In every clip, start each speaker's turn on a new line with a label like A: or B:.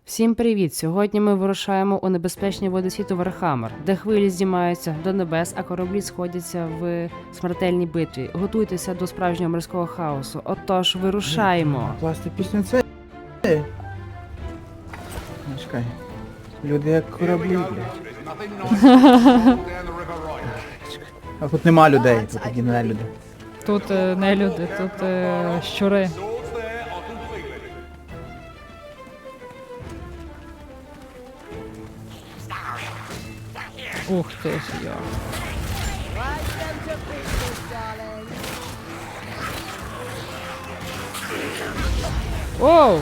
A: Всім привіт! Сьогодні ми вирушаємо у небезпечні води світу Вархаммер, де хвилі здіймаються до небес, а кораблі сходяться в смертельній битві. Готуйтеся до справжнього морського хаосу. Отож, вирушаємо!
B: Класти пісню це. Чекай. Люди як кораблі, блядь. А тут нема людей, тут такі не люди.
C: Тут не люди, тут щури. Ух ти ж я. Оу!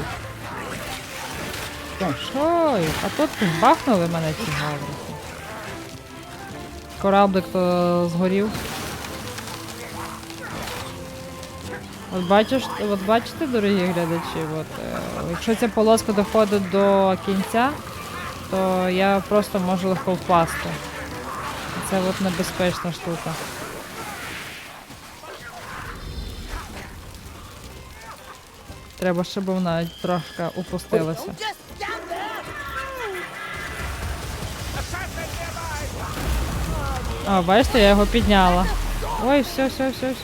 C: Ой, а тут бахнули мене ці гаврики. Кораблик то згорів. От бачите, дорогі глядачі, якщо ця полоска доходить до кінця, то я просто можу легко впасти. Це небезпечна штука. Треба, щоб вона трошки упустилася. А, бачите, я його підняла. Ой, все.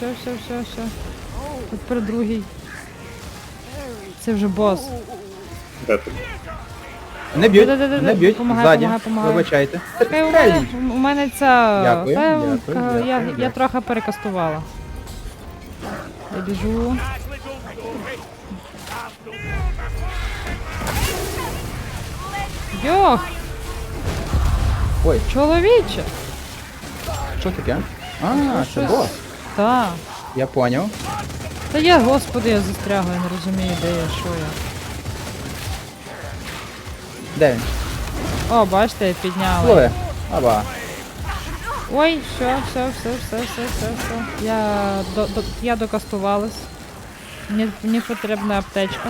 C: Тепер другий. Це вже бос.
B: Не б'ють, не б'ють, ззаді,
C: Помагай.
B: вибачайте.
C: У мене ця...
B: Дякую.
C: Я трохи перекастувала. Я біжу. Йох!
B: Ой,
C: Чоловіче!
B: що таке? А, це бос.
C: Так.
B: Я поняв.
C: Та я, господи, я застрягла, я не розумію, де я, що я.
B: Де він?
C: О, бачите, я підняла.
B: Лови. Аба.
C: Ой, все. Я докастувалась. Мені потрібна аптечка.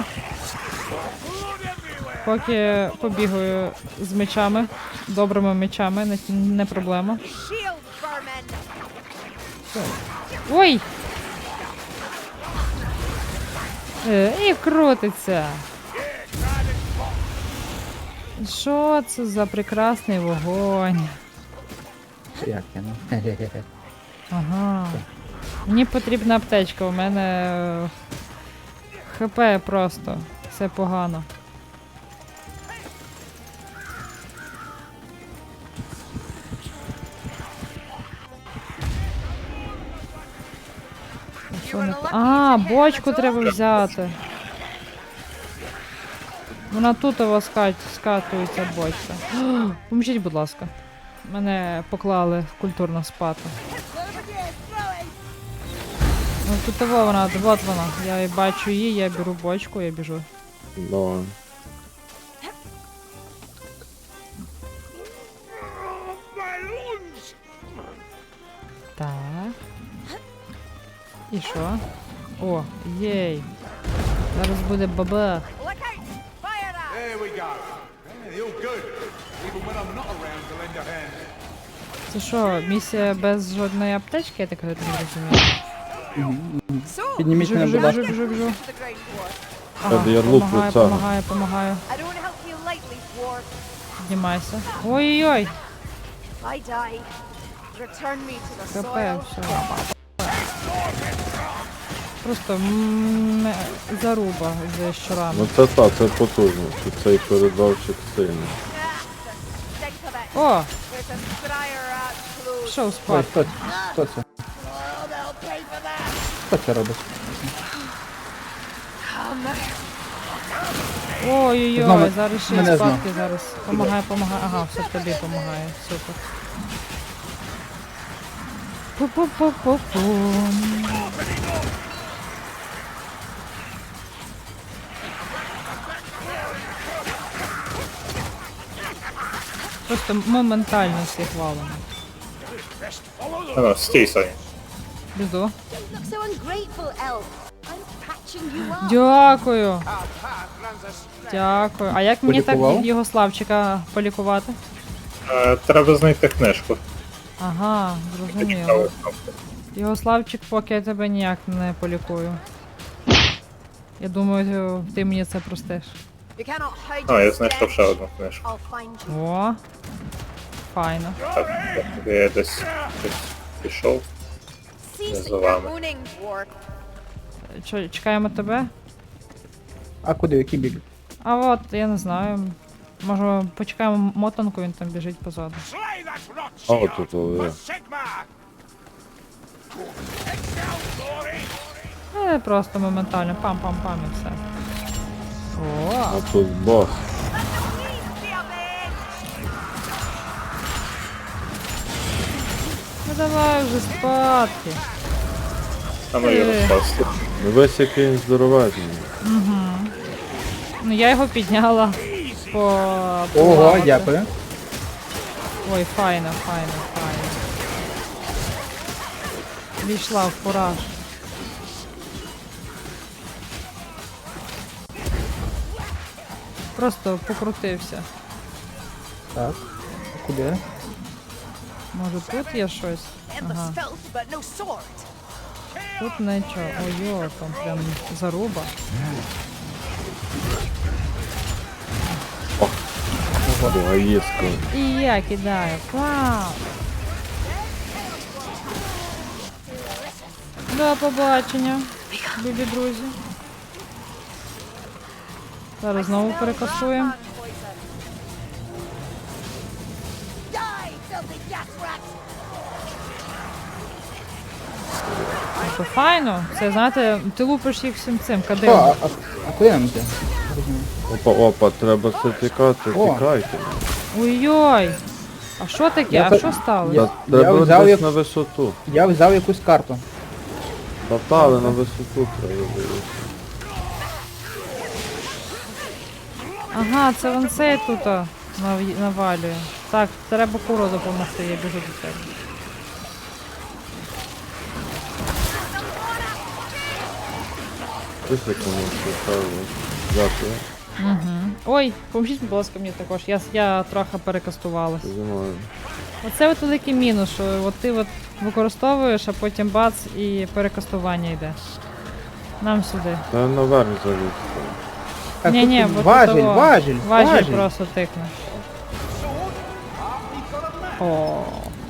C: Поки побігаю з мечами, добрими мечами, не проблема. Ой! І крутиться. Що це за прекрасний вогонь?
B: Як я, ну?
C: Ага. Мені потрібна аптечка, у мене ХП просто. Все погано. А, бочку треба взяти. Вона тут у вас скатується бочка. Поможіть, будь ласка. Мене поклали культурно спати. Ну тут вона, от вона. Я бачу її, я беру бочку, я біжу.
D: Давай.
C: Так. І що? О, єй. Зараз буде бабах. Це що, місія без жодної аптечки, я так не розумію?
B: Підніміть мене, будь ласка.
C: Біжу.
D: Я лук від цього.
C: Помагаю. Піднімайся. Ой-ой-ой. КП, все. Просто заруба з щурами.
D: Ну це так, це потужно, що цей передавчик сильний.
C: О! Пішов
B: Ой,
C: спати.
B: хто це? Хто це робить?
C: Ой-ой-ой,
B: Знову
C: зараз ще
B: мене
C: й спадки зараз. Помагай. Ага, все тобі помагає. Супер. Пу-пу-пу-пу-пум. Просто моментально всіх валимо.
E: Стій, Саня.
C: Біду.
F: Look so ungrateful, elf. I'm patching you up.
C: Дякую. Дякую. А як мені так
B: Полікував?
C: його Славчика полікувати?
E: Треба знайти книжку.
C: Ага, зрозуміло. Його Славчик, поки я тебе ніяк не полікую. Я думаю, ти мені це простиш.
F: You cannot hide
E: А, я
F: your
E: знайшов ще
F: stench.
E: одну книжку.
F: I'll find you.
C: О, файно.
E: Так, я десь пішов.
F: Cease
E: за
F: your
E: вами.
F: moaning, dwarf.
C: Що, чекаємо тебе?
B: А куди, в який бік?
C: А от, я не знаю. Може, почекаємо мотанку, він там біжить позаду.
D: А от тут є.
C: Просто моментально. Пам-пам-пам і все. О,
D: А тут бос.
C: ну давай вже спадки.
E: А ну я розпасти.
D: Дивись, який він здоровезний.
C: Ну я його підняла по...
B: Ого,
C: поламати.
B: дякую.
C: Ой, файно, файно, файно. Війшла в фураж. Просто покрутився.
B: Так. А куди?
C: Може тут є щось? Ага.
F: Filth, but no sword.
C: Тут нічого. Ой, там прям заруба.
D: Гаїско.
C: І я кидаю. Вау! До побачення, любі друзі. Зараз знову перекасуємо.
F: Die, filthy gas rats.
C: То файно. Це, знаєте, ти лупиш їх всім цим
B: О,
C: кадилом.
B: а куди нам йти?
D: Опа, опа, треба це тікати,
B: О.
D: тікайте.
C: Ой-ой! А що таке?
B: Я
C: А
B: та-
C: що сталося?
D: Треба
B: взяв
D: десь
B: як-
D: на висоту.
B: Я взяв якусь карту.
D: Та але на висоту треба дивитися.
C: Ага, це вон цей тут навалює. Так, треба куру допомогти, я біжу до тебе.
D: Ось як воно цікаво. Дякую.
C: Ой, поможіть, будь ласка, мені також. Я трохи перекастувалась.
D: Знімаю.
C: Оце от великий мінус, що от ти от використовуєш, а потім бац і перекастування йде. Нам сюди.
D: Та я наверх заліз.
B: Так,
C: Ні-ні,
B: тут
C: бо
B: важіль,
C: тут того.
B: важіль,
C: Важіль
B: важіль.
C: просто тикне. О.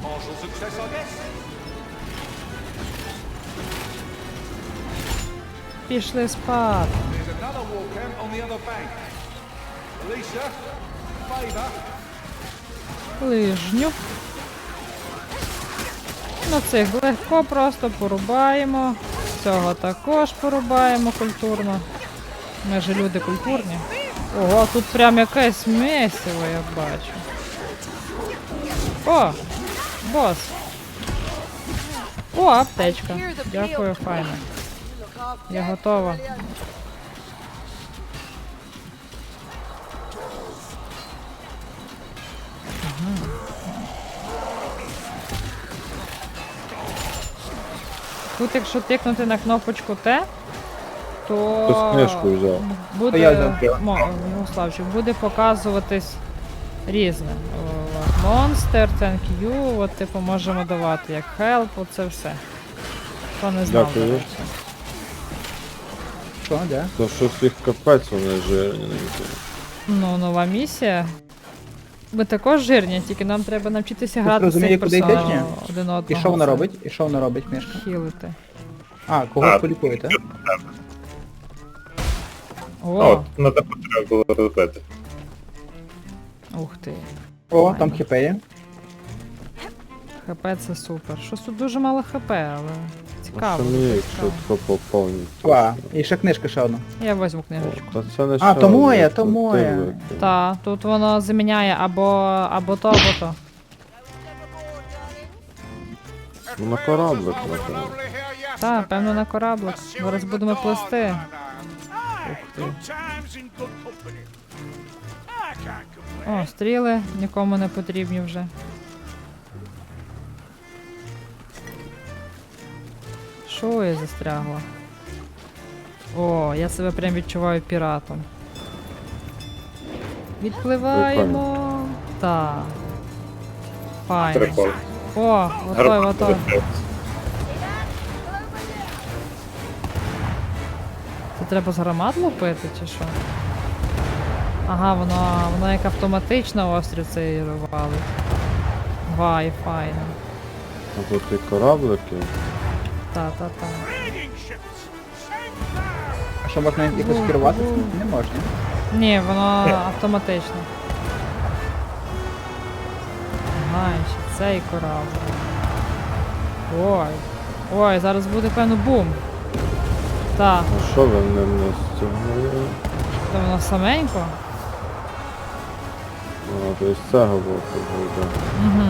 C: Пішли спати.
G: There's another war camp on the other bank. Alicia, favour.
C: Лижню. Ну цих легко просто порубаємо. Цього також порубаємо культурно. Ми ж люди культурні. Ого, тут прям якесь месиво, я бачу. О! Бос! О, аптечка. Дякую, файно. Я готова. Тут, якщо тикнути на кнопочку Т, то
D: Хтось книжку взяв.
C: буде,
B: Я взяв.
C: Славчик, буде показуватись різне. От, Monster, thank you, от типу можемо давати як help, оце все. Хто не знав.
D: Дякую.
C: до речі.
B: Що, де?
D: То щось їх капець вони жирні. не знаю.
C: Ну, нова місія. Ми також жирні, тільки нам треба навчитися грати з
B: розуміє,
C: цих
B: куди йдеш,
C: персонажів
B: ні?
C: один одного.
B: І що вона
C: Це
B: робить? І що вона робить, книжка?
C: Хілити.
B: А, когось полікуєте?
E: А,
C: О,
E: от, на таку треба було робити.
C: ух ти.
B: О, там хп є.
C: ХП це супер. Щось тут дуже мало ХП, але
D: А
C: цікаво.
D: що мені,
C: дуже
D: якщо
C: цікаво.
D: тако поповніть?
B: О, і ще книжка ще одна.
C: Я візьму книжечку.
D: Та це не
B: А,
D: ще
B: то моя,
D: одне,
B: то моя.
D: ти викинь.
C: Та, тут воно заміняє або то, або то.
D: Ну, на кораблик, напевно.
C: Та, певно, на кораблик. Зараз будемо плисти. Ух ти. О, стріли нікому не потрібні вже. Що я застрягла? О, я себе прям відчуваю піратом. Відпливаємо. Так. Файно.
E: Прикол.
C: О, готовий, готовий. Це треба з гармат лупити чи що? Ага, воно як автоматично острів цей валить. Вай, файно.
D: А тут і кораблики.
C: Та-та-та.
B: А що, можна якось керувати? Не можна.
C: Ні, воно автоматично. Ага, і ще цей корабль. Ой. Ой, зараз буде, певно, бум. Так,
D: А що ви не стягнули?
C: то воно саменько.
D: А, то з цього боку буде.
C: Угу.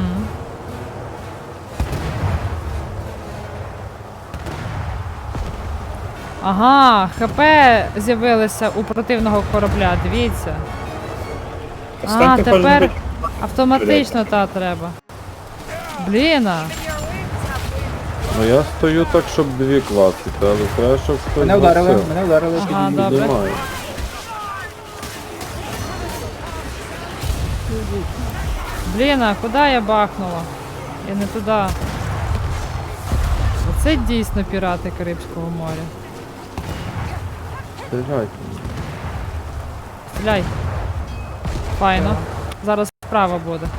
C: Ага, ХП з'явилися у противного корабля, дивіться. А,
E: Останьте кожен
C: тепер
E: бить.
C: автоматично та треба. Бліна.
D: Ну я стою так, щоб дві класити, але треба, щоб хтось
B: Мене вдарили,
D: гасив.
B: мене вдарили.
C: Ага,
B: підійдіть.
C: добре.
D: Піднімаю.
C: Блін, а куди я бахнула? Я не туди. Оце дійсно пірати Карибського моря.
D: Стріляйте.
C: Стріляй. Файно. Зараз справа буде.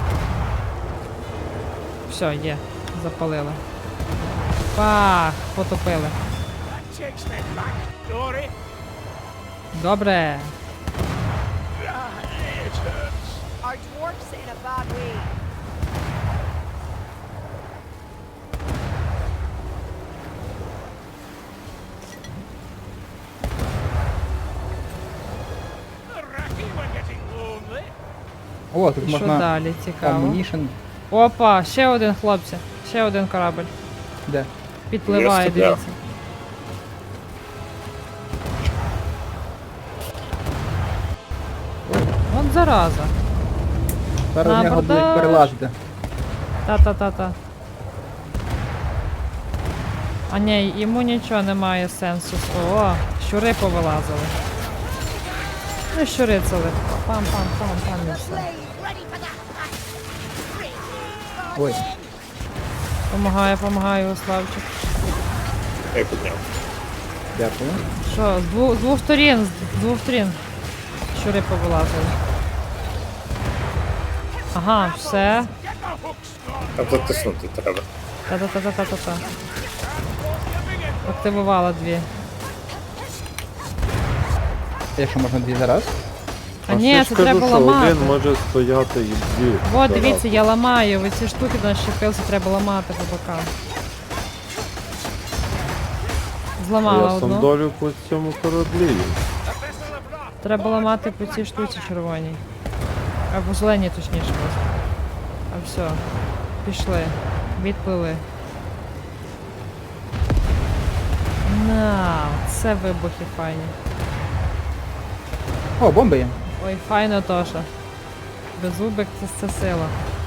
C: Все, є. Запалили. Пах, потопили. Добре.
F: Our dwarf's in a bad way.
B: О, тут
C: І що
B: можна
C: далі? Цікаво.
B: ammunition.
C: Опа, ще один, хлопці. Ще один корабль.
B: Де?
C: Підпливає,
E: Є стріляв.
C: дивіться. Вон зараза.
B: Зараз
C: На
B: в нього будуть
C: абордаж.
B: перелазити.
C: Та-та-та-та. А ні, йому нічого немає сенсу. О, щури повилазили. Ну, щури це легко. Пам-пам-пам-пам і все.
F: Ready for that.
B: Ой,
C: Помагаю, Славчик.
E: Я підняв.
B: дякую.
C: Що, з двох сторін, з двох сторін. Щури повилазили. Ага, все.
E: Там затиснути треба.
C: Та-та-та-та-та-та. Активувала дві.
B: Якщо можна дві зараз.
C: А ні,
D: ще
C: це
D: ж кажу,
C: треба
D: що
C: ламати.
D: один може стояти і дві.
C: О,
D: зараз.
C: дивіться, я ламаю. Ви ці штуки на щепилці треба ламати по бокам.
D: А
C: Зламала
D: я
C: одну.
D: сандолю по цьому кораблі.
C: Треба ламати по цій штуці червоній. Або зеленій, точніше. Просто. А все. Пішли. Відплили. На, це вибухи файні.
B: О, бомби є.
C: Ой, файно Тоша. Беззубик це сила.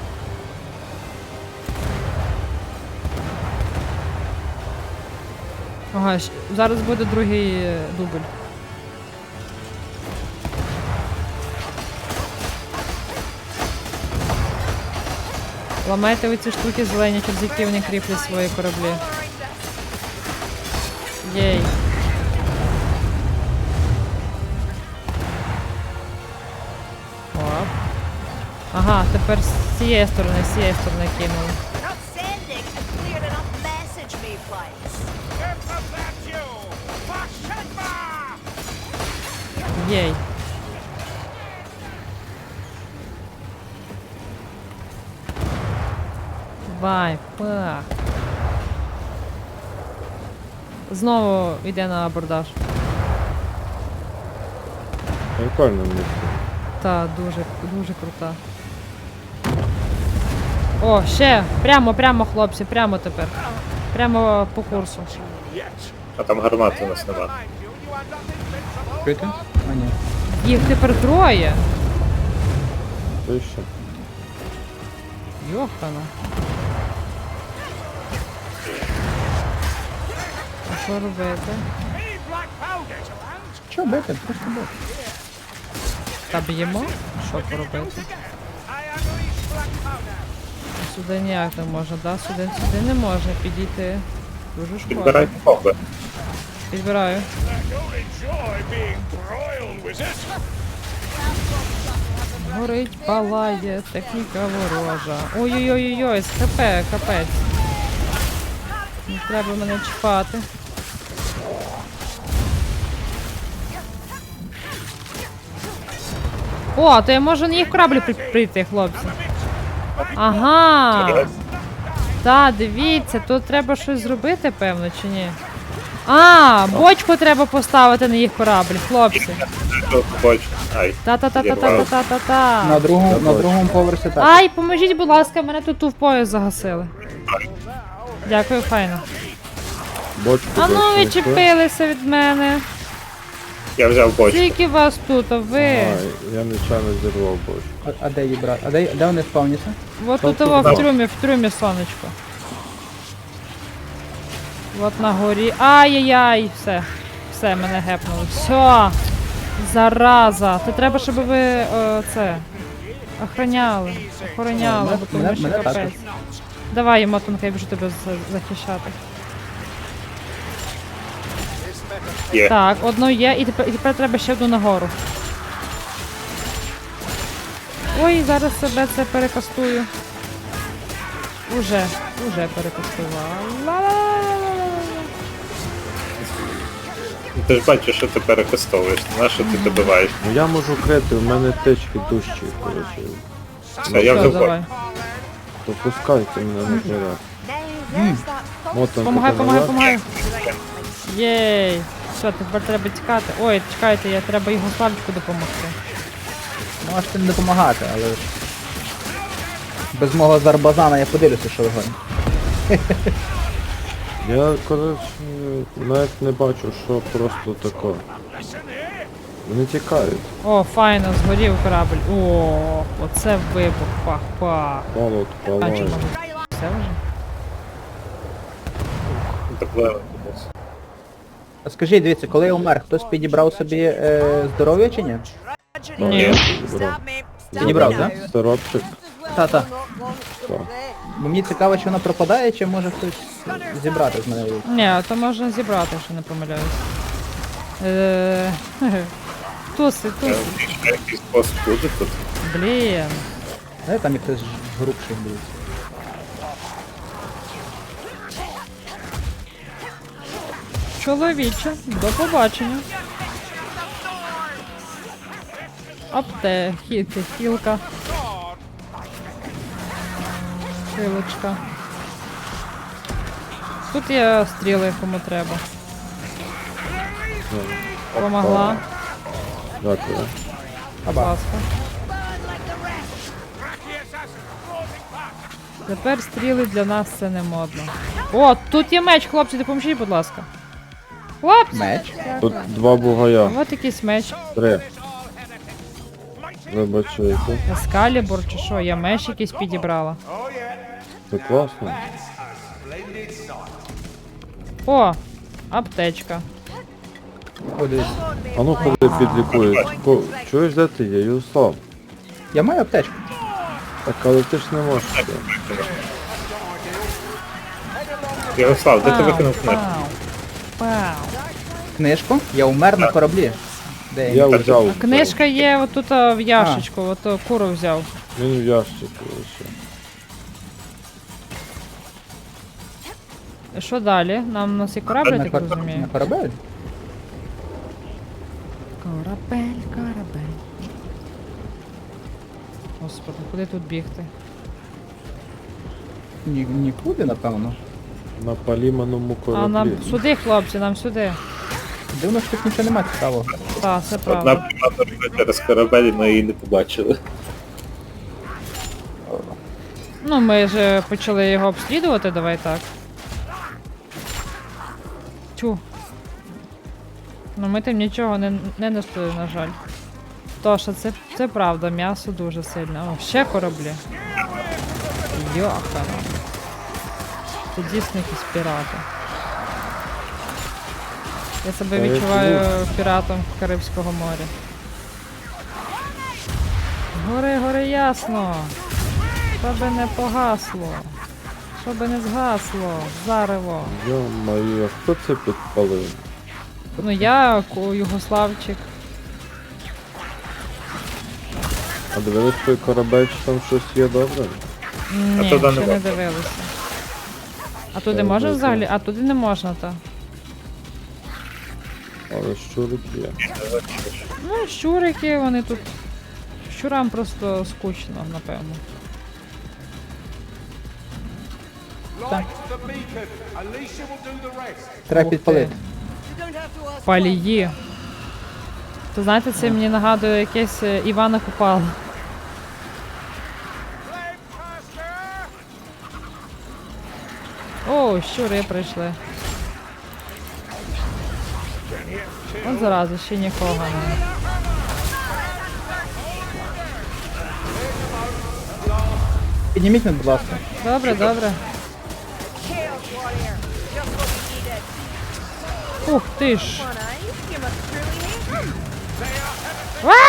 C: Ага, зараз буде другий дубль. Ламайте оці штуки зелені, через які вони кріплять свої кораблі. Єй. Оп. Ага, тепер з цієї сторони кинули.
F: Not sending a clear enough message, Mayflies.
C: Єй. Вай, пах. Знову йде на абордаж.
D: Прикольно місце.
C: Та, дуже крута. О, ще! Прямо, хлопці, прямо тепер. Прямо по курсу.
E: А там гармати у нас нема.
B: Чуєте? А, ні.
C: Їх тепер троє.
D: То що?
C: Йохана. А що робити?
B: Що бити? Просто бити.
C: Та б'ємо? Що поробити? Сюди ніяк не можна, да? Сюди не можна підійти. Дуже шкода.
E: Підбирайте бомби.
C: Підбираю. горить, палає, техніка ворожа. Ой-ой-ой-ой, з ХП, капець. Не треба мене чіпати. О, то я можу на їх кораблі прийти, хлопці. Ага. Та, дивіться, тут треба щось зробити, певно, чи ні? А, бочку треба поставити на їх корабль, хлопці.
E: Тут бочку. Ай.
C: Та-та-та-та-та-та-та-та.
B: На другому поверсі так.
C: Ай, поможіть, будь ласка, мене тут в пояс загасили. Дякую, файно.
D: Бочку
C: А ну
D: десь знайшли.
C: відчепилися від мене.
E: Я взяв бочку.
C: Скільки вас тут, а ви?
D: Ай, я нечайно зірвав бочку.
B: А де її брати? Де вони спавняться?
C: Вот тут
B: тут,
C: во,
B: да.
C: в трюмі, сонечко. Вот на горі. Ай-яй-яй, все. Все, мене гепнули. Все. Зараза. То треба, щоб ви це охороняли. Охороняли, бо тому що
B: мене
C: капець.
B: також.
C: Давай, Мотанка, я біжу тебе захищати.
E: Є.
C: Так, одну є, і тепер треба ще одну нагору. Ой, зараз себе це перекастую. Уже перекастувала. Ла-ла-ла-ла-ла-ла.
E: Ти ж бачиш, що ти перекастовуєш. На що ти добиваєш?
D: Ну я можу крити, в мене течки дужчі, коротше.
E: Все, я
C: Все,
E: взяв
C: давай.
E: бочку.
D: То пускайте мене на заряд.
F: There's that fox.
D: Мотанку
C: Помагай,
D: помагай.
C: помагай. Єй. Все, тепер треба тікати. Ой, чекайте, я треба його Славчику допомогти.
B: Можете не допомагати, але ж без мого зарбазана я подивлюся, що ви гоните.
D: Я, коротше, навіть не бачу, що просто таке. Вони тікають.
C: О, файно, згорів корабль. О, оце вибух. Пах-пах.
D: Молот,
C: А чи
D: палає.
C: може все вже?
E: Доплили.
B: А скажіть, дивіться, коли я умер, хтось підібрав собі здоров'я чи ні?
C: Ні.
B: Підібрав, так?
D: Сиропчик.
B: Та-та.
D: Так.
B: Бо мені цікаво, чи воно пропадає, чи може хтось зібрати з мене лут.
C: Ні, то можна зібрати, якщо не помиляюсь. Туси.
E: Ще якийсь пост буде тут.
C: Блін.
B: Знаєте, там і хтось грубший буде.
C: Чоловіче, до побачення. Хілка. Хилочка. Тут є стріли, кому треба. Помогла.
D: Дякую.
C: Будь ласка. Тепер стріли для нас це не модно. О, тут є меч, хлопці, допоможіть, будь ласка. Хлопці!
B: Меч?
D: Тут два бугая.
C: От якийсь меч.
D: 3. Вибачайте.
C: Ескалібур чи що, я меч якийсь підібрала.
D: Це класно.
C: О, аптечка.
B: О, дивіться.
D: А ну ходи підлікують. Чуєш, де ти є, Юслав?
B: Я маю аптечку.
D: Так, але ти ж не можеш. це.
E: Ярослав, де ти викинув книжку?
C: Пау.
B: Книжку? Я умер на кораблі. Де
D: Я
B: я?
D: взяв.
C: Книжка є отут в ящичку, от куру взяв.
D: Він в ящику лише.
C: І що далі? Нам у нас є корабль, я
B: На,
C: так
B: на
C: розумію.
B: корабель?
C: Корабель. Господи, куди тут бігти?
B: Нікуди, напевно.
D: На поліманому
C: А нам
D: кораблі.
C: сюди, хлопці, нам сюди.
B: Дивно, що тут нічого немає цікавого.
C: Так, це
E: Одна
C: правда.
E: прийшла через корабель, ми її не побачили.
C: Ну, ми ж почали його обслідувати, давай так. Тю. Ну ми тим нічого не несли, на жаль. Тоша, це правда, м'ясо дуже сильне. О, ще кораблі. Йохана. Це дійсно якісь пірати. Я себе
D: Та я
C: відчуваю піратом Карибського моря. Гори ясно. Щоби не погасло. Щоби не згасло. Зарево.
D: Йо-моє, хто це підпалив?
C: Ну я, Югославчик.
D: А дивились той корабель, чи там щось є добре?
C: Ні,
E: туди не
C: ще не
E: можна.
C: дивилися. А туди
D: Так,
C: можна
D: добре.
C: взагалі? А туди не можна, так.
D: Але щурик є.
C: Ну, щурики, вони тут. Щурам просто скучно, напевно.
G: Light the beacon. Alicia will do the rest.
B: Треба
C: Ух ти.
B: підпалити.
C: Палії. То знаєте, це мені нагадує якесь Івана Купала. О, щури прийшли. От зараза, ще нікого не.
B: Підніміть мене, будь ласка.
C: Добре, добре. Ух ти ж. А!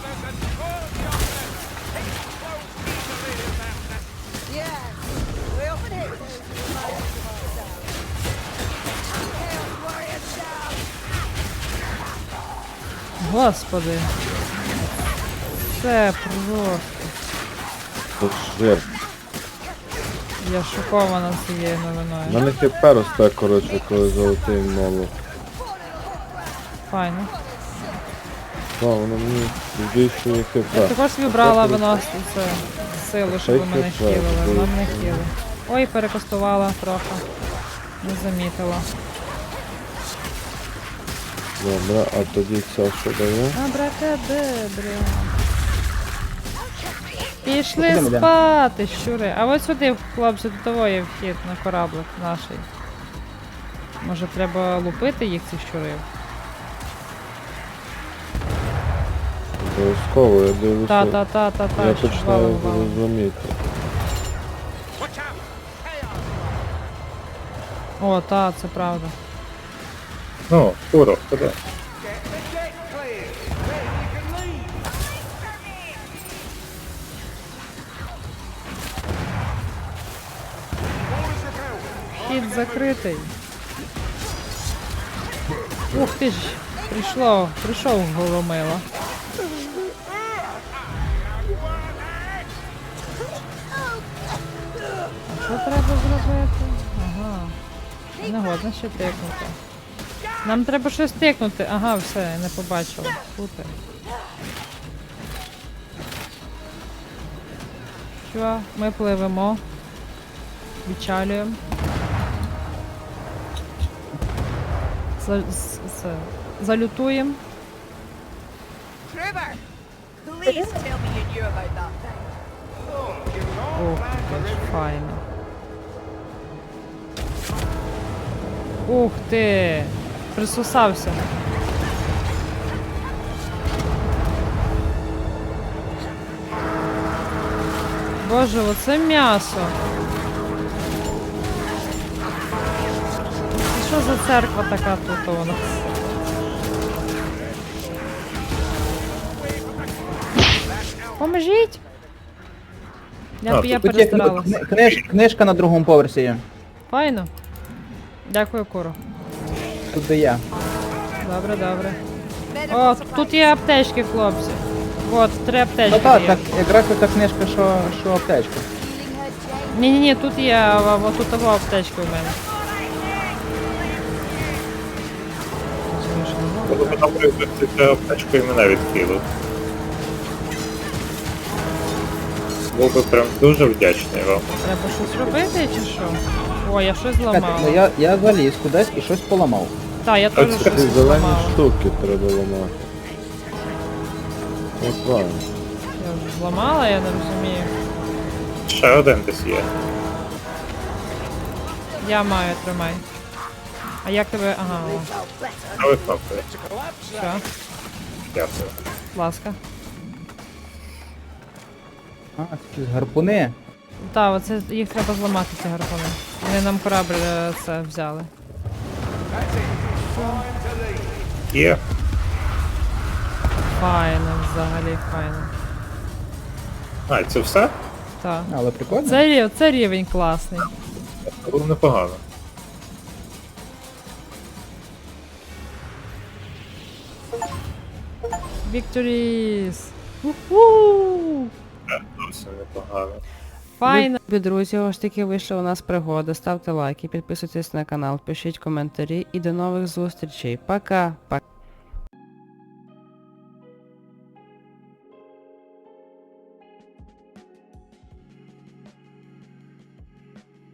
C: Господи. Це просто.
D: Це жир.
C: Я шокована цією
D: У
C: новиною.
D: мене хп росте, коротше, коли золотий молот.
C: Файно.
D: Так, воно мені збільшує хп.
C: Я також собі брала виносити це силу, щоб ви мене
D: Хай
C: хілили.
D: хп,
C: Нам не хіли. Ой, перекостувала трохи. Не замітила.
D: Добре, а тоді це що дає?
C: Абракадабра. Пішли
B: Ідемо, йдемо.
C: спати, щури. А ось сюди, хлопці, до того є вхід на кораблик наш. Може треба лупити їх, цих щурів?
D: Обов'язково, я дивлюся.
C: Та-та-та-та-та,
D: Я
C: щоб
D: починаю
C: валу валу.
D: розуміти.
C: О, та, це правда.
E: Ну, Куро, куди?
G: Get the deck cleared. Then you can leave. Orders repelled.
C: Вхід закритий. Ух ти ж, прийшов Голомила. А що треба зробити? Ага. Не годно ще тикнути. Нам треба щось тикнути. Ага, все, я не побачила. Супер. Що? Ми пливемо. Відчалюємо. Залютуємо.
F: Trevor, please tell me you knew about that thing.
C: Ох, як ж файно. Ух ти! Присосався. Боже, оце м'ясо. Це що за церква така тут у нас? Поможіть! Я
E: А,
C: я
B: Тут є
C: перестаралась.
B: книжка на другому поверсі є.
C: Файно. Дякую, Куро.
B: Тут де я.
C: Добре, добре.
F: Medical
C: О,
F: supplies.
C: тут є аптечки, хлопці. От, 3 аптечки
B: Ну так,
C: є.
B: так, якраз оця книжка, що аптечка.
F: Healing her, Jane.
C: Ні-ні-ні, тут є, от тут того аптечки у мене.
E: Буду потім привезти цю аптечку і мене відкинув. Був би прям дуже вдячний вам.
C: Треба щось робити чи що? О, я щось
B: Чекайте,
C: зламала.
B: ну я заліз кудись і щось поламав.
C: Так, я теж
E: Оце
C: щось
D: Ці зелені
C: зламала.
D: штуки треба ламати. От правильно.
C: Я вже зламала, я не розумію.
E: Ще один десь є.
C: Я маю, тримай. А як тебе. Ага, о,
E: А ви кнопкою.
C: все,
E: Дякую.
C: будь ласка.
B: А, це якісь гарпуни.
C: Так, оце їх треба зламати, ці гарпуни. Вони нам корабль це взяли.
E: Є.
C: Файно, взагалі файно.
E: А, це все?
C: Так.
B: Але прикольно.
C: Це рівень класний.
E: Це було непогано.
C: Victories! Уху!
E: Зовсім непогано.
C: Файно.
A: Любі друзі, ось таки вийшла у нас пригода. Ставте лайки, підписуйтесь на канал, пишіть коментарі і до нових зустрічей. Пока! Пока!